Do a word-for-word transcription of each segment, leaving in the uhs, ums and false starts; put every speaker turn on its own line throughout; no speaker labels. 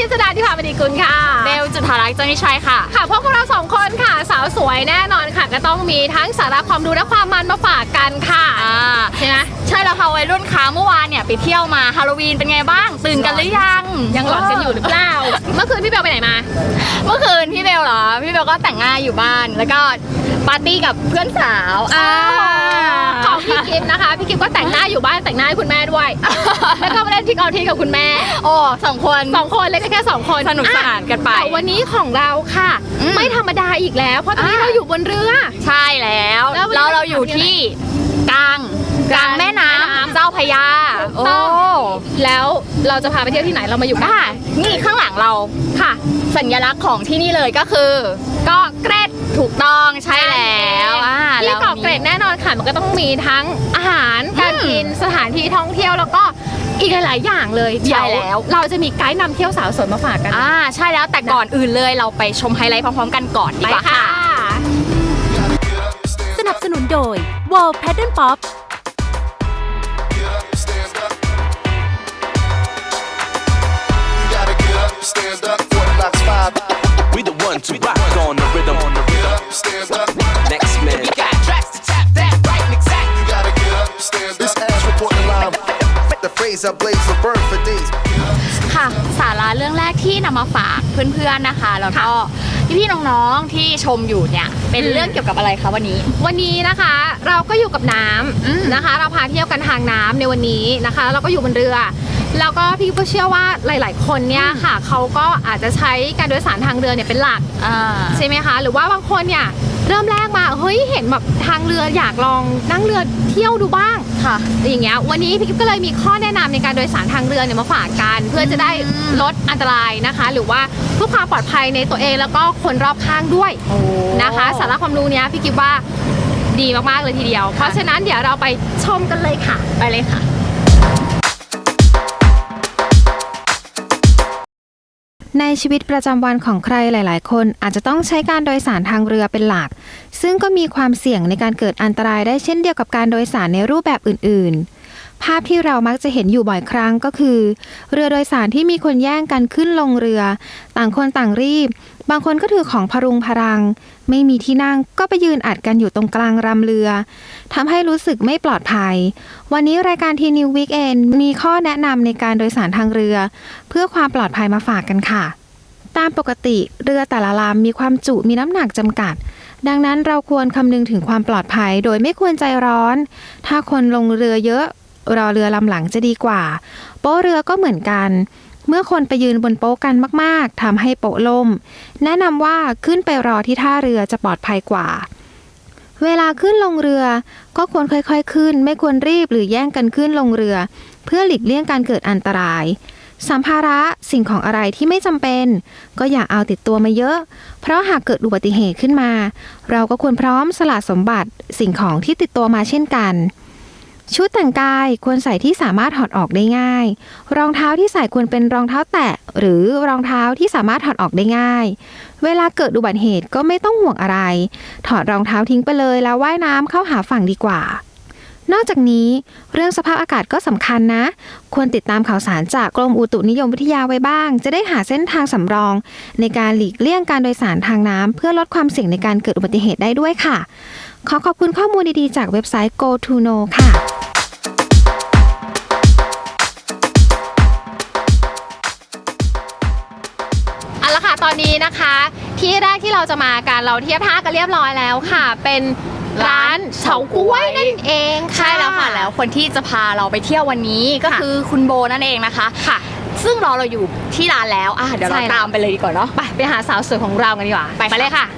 จดาธิภามณีกุลค่ะ
เบลจุฑารักษ์เจ้านิชัยค่ะ
ค่ะพวกเราสองคนค่ะสาวสวยแน่นอนค่ะก็ต้องมีทั้งสาระความรู้และความมันมาฝากกันค่ะใช่ไหม
ใช่แล้วค่ะวัยรุ่นค้าเมื่อวานเนี่ยไปเที่ยวมาฮาโลวีนเป็นไงบ้างตื่นกันหรือยัง
ยังหลอนกันอยู่หรือเปล่าเมื่อคืนพี่เบลไปไหนมา
เมื่อคืนพี่เบลเหรอพี่เบลก็แต่งหน้าอยู่บ้านแล้วก็ปาร์ตี้กับเพื่อนสาว
ของพี่กิฟต์นะคะพี่กิฟต์ก็แต่งหน้าอยู่บ้านแต่งหน้าให้คุณแม่ด้วยแล้วก็มาเล่นทิกออทีกับคุณแม่
โอ้สองคน
สองคนเล่นแค่สองคน
สนุกสนานกันไป
แต่วันนี้ของเราค่ะไม่ธรรมดาอีกแล้วเพราะตอนนี้เราอยู่บนเรือ
ใช่แล้วเราเราอยู่ที่กลางกลางแม่น้ำเจ้าพระยาโอ้
แล้วเราจะพาไปเที่ยวที่ไหนเรามาอยู่
ค่ะนี่ข้างหลังเรา
ค่ะ
สัญลักษณ์ของที่นี่เลยก็คือ
เกาะเกร็ด
ถูกต้องใช่แล้ว
ที่เกาะเกร็ดแน่นอนค่ะมันก็ต้องมีทั้งอาหารการกินสถานที่ท่องเที่ยวแล้วก็อีกหลายๆอย่างเลย
ใช่แล้ว
เราจะมีไกด์นำเที่ยวสาวสวยมาฝากกัน
อ่าใช่แล้วแต่ก่อนอื่นเลยเราไปชมไฮไลท์พร้อมๆกันก่อนดีกว่าค่ะ
สนับสนุนโดย World Pattern Pop
Stand up for the last five. We the one to rock on the rhythm. On the rhythm. Stand up. Next man. We got tracks to tap that right and exact. You gotta get up. Stand up. This ass reporting live. The phrase I blaze will burn for days.
ค่ะสาระเรื่องแรกที่นำมาฝากเพื่อนๆนะคะแล้วก็พี่ๆน้องๆที่ชมอยู่เนี่ยเป็นเรื่องเกี่ยวกับอะไรคะวันนี้
วันนี้นะคะเราก็อยู่กับน้ำนะคะเราพาเที่ยวกันทางน้ำในวันนี้นะคะเราก็อยู่บนเรือแล้วก็พี่ก็เชื่อว่าหลายๆคนเนี่ยค่ะเขาก็อาจจะใช้การโดยสารทางเรือเนี่ยเป็นหลักใช่ไหมคะหรือว่าบางคนเนี่ยเริ่มแรกมาเฮ้ยเห็นแบบทางเรืออยากลองนั่งเรือเที่ยวดูบ้าง
ค่ะ
อย่างเงี้ยวันนี้พี่กิ๊บก็เลยมีข้อแนะนำในการโดยสารทางเรือเนี่ยมาฝากกันเพื่อจะได้ลดอันตรายนะคะหรือว่าเพื่อความปลอดภัยในตัวเองแล้วก็คนรอบข้างด้วยนะคะสาระความรู้เนี้ยพี่กิ๊บว่าดีมากๆเลยทีเดียวเพราะฉะนั้นเดี๋ยวเราไปชมกันเลยค่ะ
ไปเลยค่ะ
ในชีวิตประจำวันของใครหลายๆคนอาจจะต้องใช้การโดยสารทางเรือเป็นหลักซึ่งก็มีความเสี่ยงในการเกิดอันตรายได้เช่นเดียวกับการโดยสารในรูปแบบอื่นๆภาพที่เรามักจะเห็นอยู่บ่อยครั้งก็คือเรือโดยสารที่มีคนแย่งกันขึ้นลงเรือต่างคนต่างรีบบางคนก็ถือของพรุงพรังไม่มีที่นั่งก็ไปยืนอัดกันอยู่ตรงกลางรำเรือทำให้รู้สึกไม่ปลอดภัยวันนี้รายการทีนิววีคเอนมีข้อแนะนำในการโดยสารทางเรือเพื่อความปลอดภัยมาฝากกันค่ะตามปกติเรือแต่ละลำมีความจุมีน้ำหนักจำกัดดังนั้นเราควรคำนึงถึงความปลอดภัยโดยไม่ควรใจร้อนถ้าคนลงเรือเยอะรอเรือลำหลังจะดีกว่าโป๊ะเรือก็เหมือนกันเมื่อคนไปยืนบนโป๊ะกันมากๆทำให้โป๊ะล่มแนะนำว่าขึ้นไปรอที่ท่าเรือจะปลอดภัยกว่าเวลาขึ้นลงเรือก็ควรค่อยๆขึ้นไม่ควรรีบหรือแย่งกันขึ้นลงเรือเพื่อหลีกเลี่ยงการเกิดอันตรายสัมภาระสิ่งของอะไรที่ไม่จำเป็นก็อย่าเอาติดตัวมาเยอะเพราะหากเกิดอุบัติเหตุขึ้นมาเราก็ควรพร้อมสละสมบัติสิ่งของที่ติดตัวมาเช่นกันชุดแต่งกายควรใส่ที่สามารถถอดออกได้ง่ายรองเท้าที่ใส่ควรเป็นรองเท้าแตะหรือรองเท้าที่สามารถถอดออกได้ง่ายเวลาเกิดอุบัติเหตุก็ไม่ต้องห่วงอะไรถอดรองเท้าทิ้งไปเลยแล้วว่ายน้ำเข้าหาฝั่งดีกว่านอกจากนี้เรื่องสภาพอากาศก็สำคัญนะควรติดตามข่าวสารจากกรมอุตุนิยมวิทยาไว้บ้างจะได้หาเส้นทางสำรองในการหลีกเลี่ยงการโดยสารทางน้ำเพื่อลดความเสี่ยงในการเกิดอุบัติเหตุได้ด้วยค่ะขอขอบคุณข้อมูลดีๆจากเว็บไซต์ Go to Know ค่ะ
เอาละค่ะตอนนี้นะคะที่แรกที่เราจะมากันเราเทียบท่ากันเรียบร้อยแล้วค่ะเป็นร้านเฉาก๊วยนั่นเอง
ใช่แล้วค่ะแล้วคนที่จะพาเราไปเที่ยววันนี้ก็คือคุณโบนั่นเองนะคะ
ค่ะ
ซึ่งรอเราอยู่ที่ร้านแล้วอ่ะเดี๋ยวเราตามไปเลยดีกว่าเนาะ
ไปไปหาสาวสวยของเรากันดีกว่า
ไปเลยค่ะ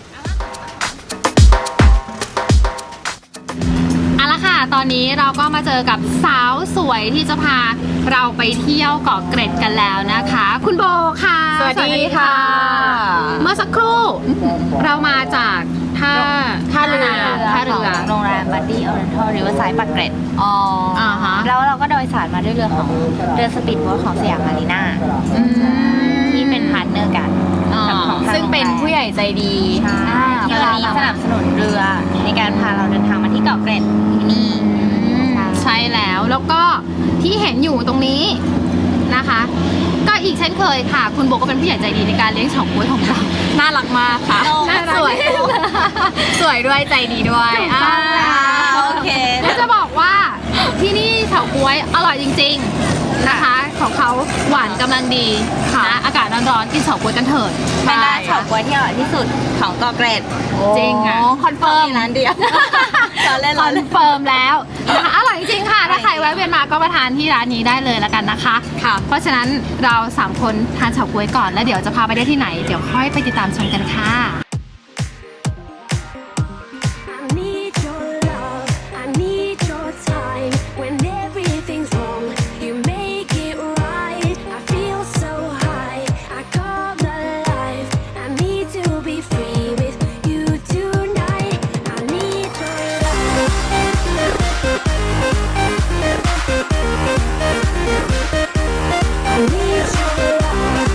เอาละค่ะตอนนี้เราก็มาเจอกับสาวสวยที่จะพาเราไปเที่ยวเกาะเกร็ดกันแล้วนะคะคุณโบค่ะ
สวัสดีค่ะ
เมื่อสักครู่เรามาจากท่า
ท่าเรือ
ท่าเรือ
โรงแรมบัดดี้ออเรนทัลริเวอร์ไซด์ปากเกร็ด
อ๋อ
แล้วเราก็โดยสารมาด้วยเรือของเรือสปีดโบ๊ทของสยามมารีนาที่เป็นพาร์ทเนอร์กัน
ซึ่งเป็นผู้ใหญ่ใจดี
ใช่ที่วันนี้สนับสนุนเรือในการพาเราเดินทางมาที่เกาะเกร็ด
ใช่แล้วแล้วก็ที่เห็นอยู่ตรงนี้นนะคะ ก็อีกเช่นเคยค่ะ คุณโบก็เป็นผู้ใหญ่ใจดีในการเลี้ยงเฉาก๊วยของเรา
น่ารักมากค่ะ
น่ารัก
สวย สวยด้วยใจดีด้วยอ่า
โอเค
แล้วจะบอกว่าที่นี่เฉาก๊วยอร่อยจริงๆนะคะ ของเขาหวานกำลังดีนะอากาศร้อนๆกินเฉาก๊วยกันเถิด
เป็นร้านเฉาก๊วยที่อร่อยที่สุดของเกาะเกร็ด
จริงอ่ะ
คอนเฟิร์ม
มีร้านเดียวเราเล่น
ค
เรา
อน
เล่น
เฟิร์มแล้วนะคะอร่อยจริงๆค่ะ ถ้าใครแวะเวียนมาก็มาทานที่ร้านนี้ได้เลยแล้วกันนะคะค่ะ เพราะฉะนั้นเราสามคนทานเฉาก๊วยก่อนแล้วเดี๋ยวจะพาไปได้ที่ไหนเดี๋ยวค่อยไปติดตามชมกันค่ะ
I need your love, I need your time. When everything's wrong, you make it right. I feel so high, I come alive. I need to be free with you tonight. I need your love. I need your love.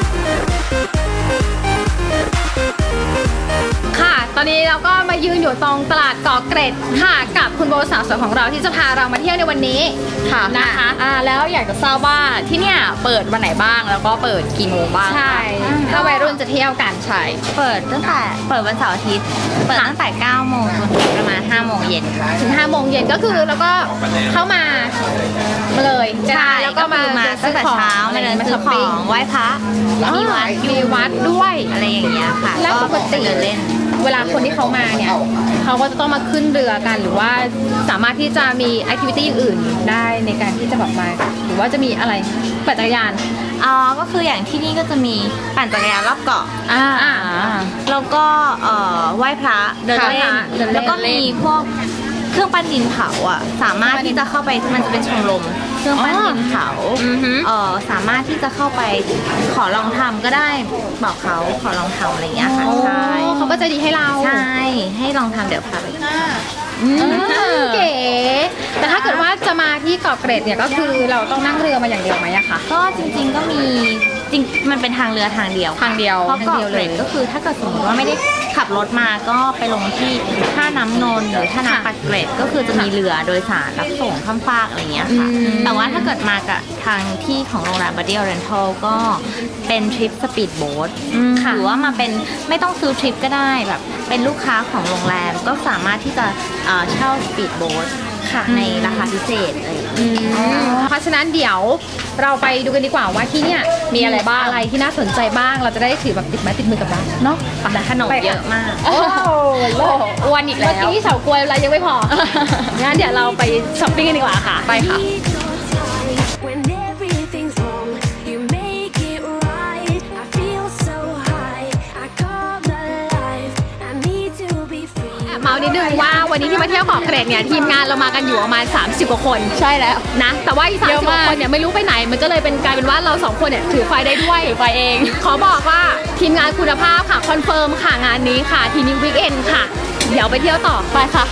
ค่ะ ตอนนี้เราก็มายืนอยู่ตรงตลาดเกาะเกร็ดค่ะกับคุณโบสาวสวยของเราที่จะพาเรามาเที่ยวในวันนี้
ค่ะ
นะคะ
อ่าแล้วอยากจะทราบว่าที่เนี่ยเปิดวันไหนบ้างแล้วก็เปิดกี่โมงบ้าง
ใช่ถ้าวัยรุ่นจะเที่ยวกัน
ใช่
เปิดตั้งแต่เปิดวันเสาร์อาทิตย์ เปิดตั้งแต่เก้าโมงจนถึงประมาณห้าโมงเย็นค่ะ
ถึงห้าโมงเย็นก็คือแล้วก็เข้ามามาเลยนะคะ
ใช่
แล้วก็มา
มาตั้งแต่เช้ามาเดินซื้อของไหว้พระมีวัด
มีวัดด้วย
อะไรอย่างเงี้ยค่ะ
แล้วปกติ
เดินเล่น
เวลาคนที่เขามาเนี่ยเขาก็จะต้องมาขึ้นเรือกันหรือว่าสามารถที่จะมีแอคทิวิตี้อื่นได้ในการที่จะแบบมาหรือว่าจะมีอะไรปั่นจักรยาน
อ๋อ ก็คืออย่างที่นี่ก็จะมีปั่นจักรยานรอบเกาะ
อ่า
แล้วก็เอ่อไหว้พระเดินเล่น
ค่ะเดินเล่น
แล้วก็มีพวกเครื่องปั้นดินเผาอ่ะ สามารถที่จะเข้าไป มันจะเป็นชมรมเครื่องปั้นดินเผา
อือฮึ
เอ่อสามารถที่จะเข้าไปขอลองทำก็ได้บอกเขาขอลองทำอะไรอย่างเงี้ยค่ะ
โอ้
ใช่
เขาก็จะดีให้เรา
ใช่ ให้ลองทำเดี๋ยวพาไป
อืมเก๋ แต่ถ้าเกิดว่าจะมาที่เกาะเกร็ดเนี่ยก็คือเราต้องนั่งเรือมาอย่างเดียวไหมอะคะ
ก็จริงๆก็มีจริงมันเป็นทางเรือทางเดียว
ทางเดียว
เพราะเกาะเกร็ดก็คือถ้าเกิดสมมติว่าไม่ได้ขับรถมาก็ไปลงที่ท่าน้ำนนท์หรือท่าน้ำปักเกร็ดก็คือจะมีเรือโดยสารรับส่งข้ามฟากอะไรเงี้ยค่ะ
อืม
แต่ว่าถ้าเกิดมากับทางที่ของโรงแรมบัดดี้ออเรนทัลก็เป็นทริปสปีดโบ๊ทหรือว่ามาเป็นไม่ต้องซื้อทริปก็ได้แบบเป็นลูกค้าของโรงแรมก็สามารถที่จะเอ่อเช่าสปีดโบ๊ทในราคาพิเศษอะไรอย่างเงี้ย
อืมเพราะฉะนั้นเดี๋ยวเราไปดูกันดีกว่าว่าที่เนี่ยมีอะไรบ้างอะไรที่น่าสนใจบ้างเราจะได้ถือแบบติดไม้ติดมือกลับบ้านเนาะ
แต่ขนมเยอะมาก
โอ้โหโลก
อ้วนอีก
เมื่
แล้
อ
ว
กี้เฉากล้วยอะไรยังไม่พอ งั้นเดี๋ยวเราไปช้อปปิ้งกันดีกว่าค่ะ
ไปค่ะ
Need your time. When everything's wrong, you make it right. I feel so high, I come alive. I need to be free.
เมานิดนึงว่าวันนี้ที่มาเที่ยวเกาะเกร็ดเนี่ยทีมงานเรามากันอยู่ประมาณสามสิบกว่าคน
ใช่แล้ว
นะแต่ว่าอีกสาม
เย
สิบ
อะ
ก
มาก
ว่าคนเนี่ยไม่รู้ไปไหนมันก็เลยเป็นกลายเป็นว่าเราสองคนเนี่ยถือไฟได้ด้วย
ถือไฟเอง
ขอบอกว่าทีมงานคุณภาพค่ะคอนเฟิร์มค่ะงานนี้ค่ะทีนี้วีคเอนค่ะ เดี๋ยวไปเที่ยวต่อไปค่ะ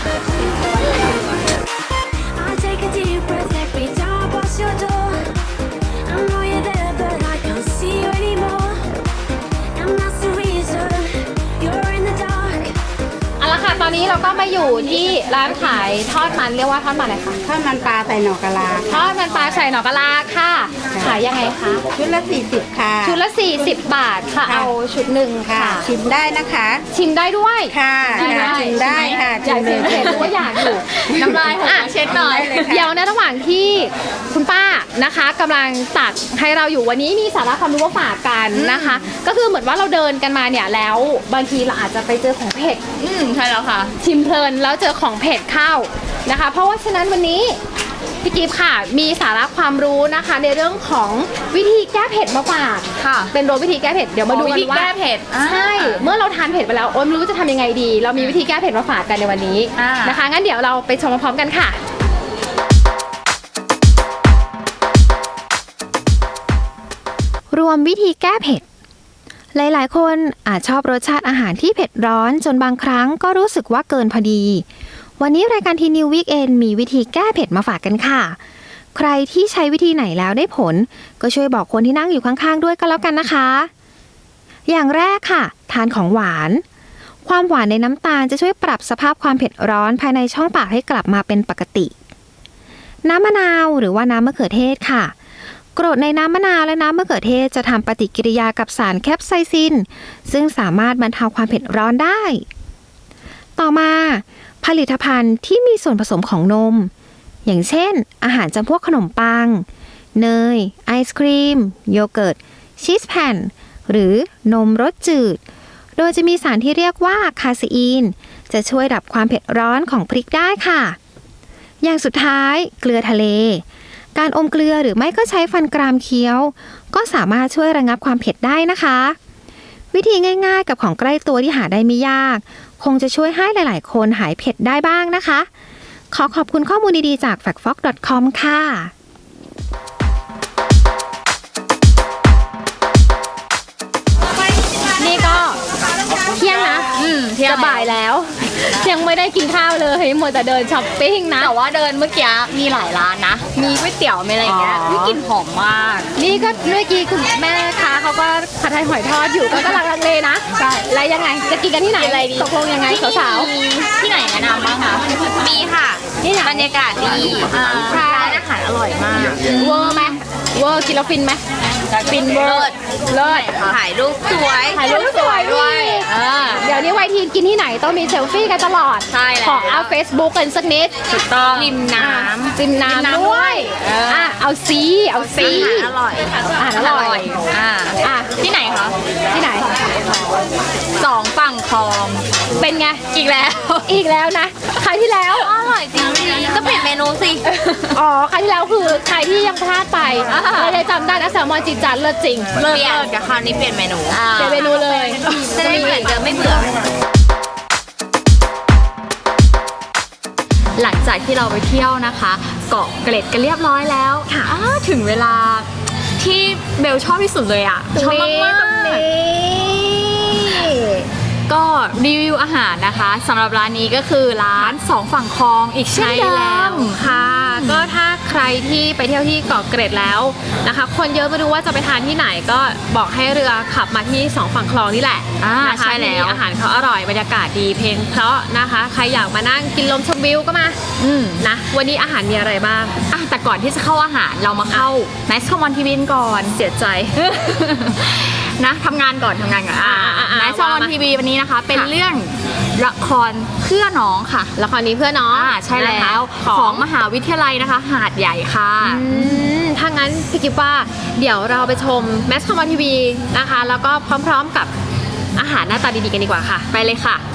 I take a deep breath every time I pass your door. I know you're there, but I can't see you anymore. And that's the reason you're in the dark.
เอาละค่ะตอนนี้เราก็มาอยู่ที่ร้านขายทอดมันเรียกว่าทอดมันอะไรคะ
ข้าวมันปลาใส่หน่อกะลา
ทอดมันปลาใส่หน่อกะลาค่ะ ขายยังไงคะ
ชุดละสี่สิบค่ะ
ชุดละสี่สิบบาทค่ะ
ค่ะ
เอาชุดหนึ่ง
ค่ะ
ค่ะ
ชิมได้นะคะ
ชิมได้ด้วย
ค่ะ
ชิมได้
ชิมได้ค่ะ
อยาก
ชิ
ชิ
ม
ม
เลย
เห็นรู้ว่าอยากอยู่
น้ำลายหก
อ่ะ
เช็ดหน่อย
ได้เลยค่ะ
เดี๋ยวในระหว่างที่คุณป้านะคะกำลังตักให้เราอยู่วันนี้มีสาระความรู้มาฝากกันนะคะ ก็คือเหมือนว่าเราเดินกันมาเนี่ยแล้วบางทีเราอาจจะไปเจอของเผ็ด
อืมใช่แล้วค่ะ
ชิมเพลินแล้วเจอของเผ็ดเข้านะคะ เพราะว่าฉะนั้นวันนี้พี่กิฟต์ค่ะมีสาระความรู้นะคะ ในเรื่องของวิธีแก้เผ็ดมาฝาก
ค่ะ
เป็นโรวิธีแก้เผ็ดเดี๋ยวมาดู
วิ
กัน
ธี
ว่า
แก้เผ็ด
ใช่ เมื่อเราทานเผ็ดไปแล้วโอ๊ยไม่รู้จะทำยังไงดี เรามีวิธีแก้เผ็ดมาฝากกันในวันนี้
อ่าน
นะคะงั้นเดี๋ยวเราไปชมพร้อมๆกันค่ะ
รวมวิธีแก้เผ็ด หลายๆ คนอาจชอบรสชาติอาหารที่เผ็ดร้อนจนบางครั้งก็รู้สึกว่าเกินพอดี วันนี้รายการทีนิววีคเอนมีวิธีแก้เผ็ดมาฝากกันค่ะ ใครที่ใช้วิธีไหนแล้วได้ผล ก็ช่วยบอกคนที่นั่งอยู่ข้างๆด้วยก็แล้วกันนะคะ อย่างแรกค่ะ ทานของหวาน ความหวานในน้ำตาลจะช่วยปรับสภาพความเผ็ดร้อนภายในช่องปากให้กลับมาเป็นปกติ น้ำมะนาวหรือว่าน้ำมะเขือเทศค่ะกรดในน้ำมะนาวและน้ำมะเขือเทศจะทำปฏิกิริยากับสารแคปไซซินซึ่งสามารถบรรเทาความเผ็ดร้อนได้ ต่อมาผลิตภัณฑ์ที่มีส่วนผสมของนมอย่างเช่นอาหารจำพวกขนมปังเนยไอศครีมโยเกิร์ตชีสแผ่นหรือนมรสจืดโดยจะมีสารที่เรียกว่าคาเซอีนจะช่วยดับความเผ็ดร้อนของพริกได้ค่ะอย่างสุดท้ายเกลือทะเลการอมเกลือหรือไม่ก็ใช้ฟันกรามเคี้ยวก็สามารถช่วยระงับความเผ็ดได้นะคะวิธีง่ายๆกับของใกล้ตัวที่หาได้ไม่ยากคงจะช่วยให้หลายๆคนหายเผ็ดได้บ้างนะคะขอขอบคุณข้อมูลดีๆจาก แฟกต์ฟ็อกซ์ ดอท คอม ค่ะ
นี่ก็เที่ยงนะ
อืมเที่ยง
จะบ่ายแล้ว ยังไม่ได้กินข้าวเลยมัวแต่เดินช้อปปิ้งนะ
แต่ว่าเดินเมื่อกี้มีหลายร้านนะ มีก๋วยเตี๋ยวมีอะไรอย่างเงี้ย
อ๋อ
วิกลิ่นหอมมาก
นี่ก็เมื่อกี้คุณแม่ค้าเขาก็ผัดไทยหอยทอดอยู่ก็กำลังลังเลนะใช่แล้วยังไงจะกินกันที่ไหน
อะไรดี
ตกลงยังไงสาว
มีที่ไหนแนะนำบ้างคะ มีค่ะ
นี่ไหน
บรรยากาศดีร้านอาหารอร่อยมาก
ๆเวอร์ไหมเวอร์กินแล้วฟินไหมฟินเวอร์เลิศ
ถ่ายรูปสวย
ถ่ายรูปสวยด้วย
เออ
เดี๋ยวนี้วัยทีนกินที่ไหนต้องมีเซลฟี่กันตลอด
ใช่แล้ว
ขอเอา Facebook กันสักนิด
ถูกต้องริมน้ำ
ริมน้ำด้วย
เอออ่
อ่ะเอาซีเอาซี
อาหารอร่อย
อาหารอร่อย
อ่า
อ่ะ
ที่ไหนคะ
ที่ไหน
สองฝั่งคลอง
เป็นไง
อีกแล้ว
อีกแล้วนะครั้งที่แล้ว
อร่อยจริงก็เปลี่ยนเมนูสิ
อ๋อครั้งที่แล้วคือใครที่ยังพลาดไป
อ่า
เราจะจำได้นะแซลมอนจีจันเลิศจริง
เปลี่ยนกับคราวนี้เปลี่ยนเมนู
เปลี่ยนเมนูเลย
จะได้เหมือนเดิมไม่เบื่อ หลังจากที่เราไปเที่ยวนะคะ เกาะเกร็ดกันเรียบร้อยแล้วค่ะถึงเวลาที่เบลชอบที่สุดเลยอ่ะชอบมากๆก็รีวิวอาหารนะคะสำหรับร้านนี้ก็คือร้านสองฝั่งคลองอีกเช่น
ใช่
เดิ
แล้ว
ม
ค่ะ ก็ถ้าใครที่ไปเที่ยวที่เกาะเกร็ดแล้วนะคะ คนเยอะไม่รู้ว่าจะไปทานที่ไหนก็บอกให้เรือขับมาที่สองฝั่งคลองนี่แหละ
อ่า
นะคะ
ใช่แล้ว
ที่นี่อาหารเขาอร่อยบรรยากาศดีเพลงเพราะนะคะ ใครอยากมานั่งกินลมชมวิวก็มา
อืม
นะวันนี้อาหารมีอะไรบ้าง
อ่ะแต่ก่อนที่จะเข้าอาหารเรามาเข้า Nice Common ที วี ก่อน
เสียใจ
นะทำงานก่อนทำงานก่อน
อ่าอ่าอ่า
Nice Common
ว่ามา
ที วี วันนี้นะคะ เป็น
ค่ะ
เรื่องละครเพื่อน้องค่ะ
ละครนี้เพื่อน้อง
อ่าใช่แล้ว
นะคะ
ของมหาวิทยาลัยนะคะ หาดใหญ่ค่ะ
อืมถ้างั้นพี่กิฟว่าเดี๋ยวเราไปชมแมสคอมทีวีนะคะ แล้วก็พร้อมๆกับอาหารหน้าตาดีๆกันดีกว่าค่ะ
ไปเลยค่ะ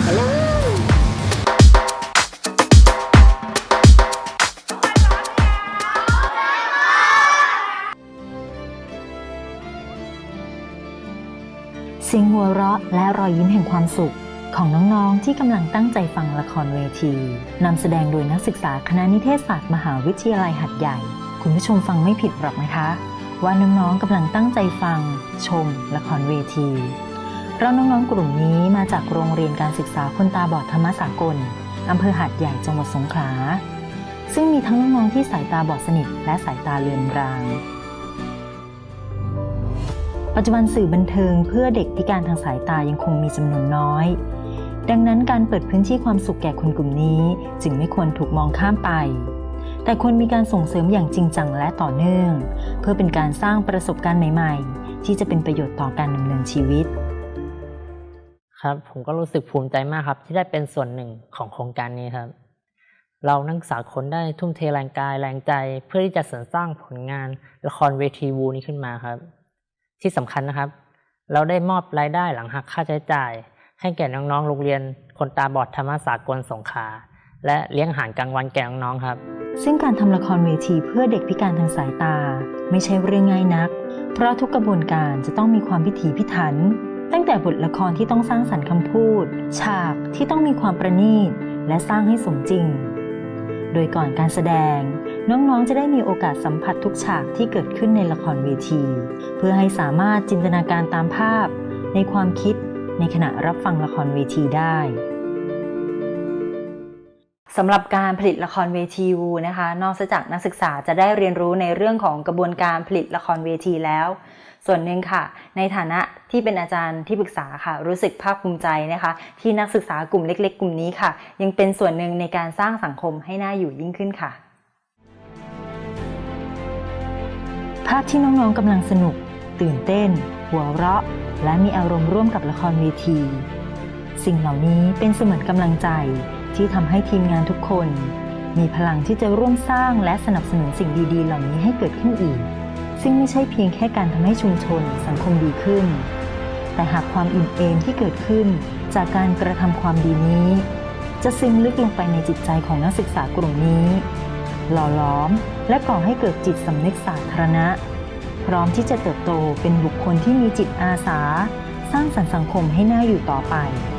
เสียงหัวเราะและรอยยิ้มแห่งความสุขของน้องๆที่กำลังตั้งใจฟังละครเวทีนำแสดงโดยนักศึกษาคณะนิเทศศาสตร์มหาวิทยาลัยหาดใหญ่คุณผู้ชมฟังไม่ผิดหรอกนะคะว่าน้องๆกำลังตั้งใจฟังชมละครเวทีเพราะน้องๆกลุ่มนี้มาจากโรงเรียนการศึกษาคนตาบอดธรรมสากลอำเภอหาดใหญ่จังหวัดสงขลาซึ่งมีทั้งน้องๆที่สายตาบอดสนิทและสายตาเลือนรางปัจจุบันสื่อบันเทิงเพื่อเด็กพิการทางสายตายังคงมีจำนวนน้อยดังนั้นการเปิดพื้นที่ความสุขแก่คนกลุ่มนี้จึงไม่ควรถูกมองข้ามไปแต่ควรมีการส่งเสริมอย่างจริงจังและต่อเนื่องเพื่อเป็นการสร้างประสบการณ์ใหม่ๆที่จะเป็นประโยชน์ต่อการดำเนินชีวิต
ครับผมก็รู้สึกภูมิใจมากครับที่ได้เป็นส่วนหนึ่งของโครงการนี้ครับเรานักศึกษาคนได้ทุ่มเทแรงกายแรงใจเพื่อที่จะสรรสร้างผลงานละครเวทีวูนี้ขึ้นมาครับที่สำคัญนะครับเราได้มอบรายได้หลังหักค่าใช้จ่ายให้แก่น้องๆโรงเรียนคนตาบอดธรรมสากลสงขลาและเลี้ยงอาหารกลางวันแก่น้องๆครับ
ซึ่งการทำละครเวทีเพื่อเด็กพิการทางสายตาไม่ใช่เรื่องง่ายนักเพราะทุกกระบวนการจะต้องมีความพิถีพิถันตั้งแต่บทละครที่ต้องสร้างสรรค์คำพูดฉากที่ต้องมีความประณีตและสร้างให้สมจริงโดยก่อนการแสดงน้องๆจะได้มีโอกาสสัมผัสทุกฉากที่เกิดขึ้นในละครเวทีเพื่อให้สามารถจินตนาการตามภาพในความคิดในขณะรับฟังละครเวทีได้สำหรับการผลิตละครเวทีวูนะคะนอกจากนักศึกษาจะได้เรียนรู้ในเรื่องของกระบวนการผลิตละครเวทีแล้วส่วนหนึ่งค่ะในฐานะที่เป็นอาจารย์ที่ปรึกษาค่ะรู้สึกภาคภูมิใจนะคะที่นักศึกษากลุ่มเล็กๆกลุ่มนี้ค่ะยังเป็นส่วนหนึ่งในการสร้างสังคมให้น่าอยู่ยิ่งขึ้นค่ะภภาพที่น้องๆกำลังสนุกตื่นเต้นหัวเราะและมีอารมณ์ร่วมกับละครเวที สิ่งเหล่านี้เป็นเสมือนกำลังใจที่ทำให้ทีมงานทุกคนมีพลังที่จะร่วมสร้างและสนับสนุนสิ่งดีๆเหล่านี้ให้เกิดขึ้นอีกซึ่งไม่ใช่เพียงแค่การทำให้ชุมชนสังคมดีขึ้นแต่หากความอิ่มเอมที่เกิดขึ้นจากการกระทำความดีนี้จะซึมลึกลงไปในจิตใจของนักศึกษากลุ่มนี้หล่อหลอมและก่อให้เกิดจิตสำนึกสาธารณะพร้อมที่จะเติบโตเป็นบุคคลที่มีจิตอาสาสร้างสรรค์สังคมให้น่าอยู่ต่อไป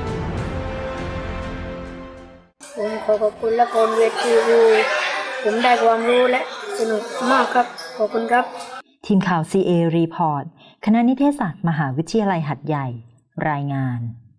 ผมขอขอบคุณละครเวทีรูผมได้ความรู้และสนุกมากครับขอบคุณครับ
ทีมข่าว ซี เอ Report คณะนิเทศศาสตร์มหาวิทยาลัยหัดใหญ่รายงาน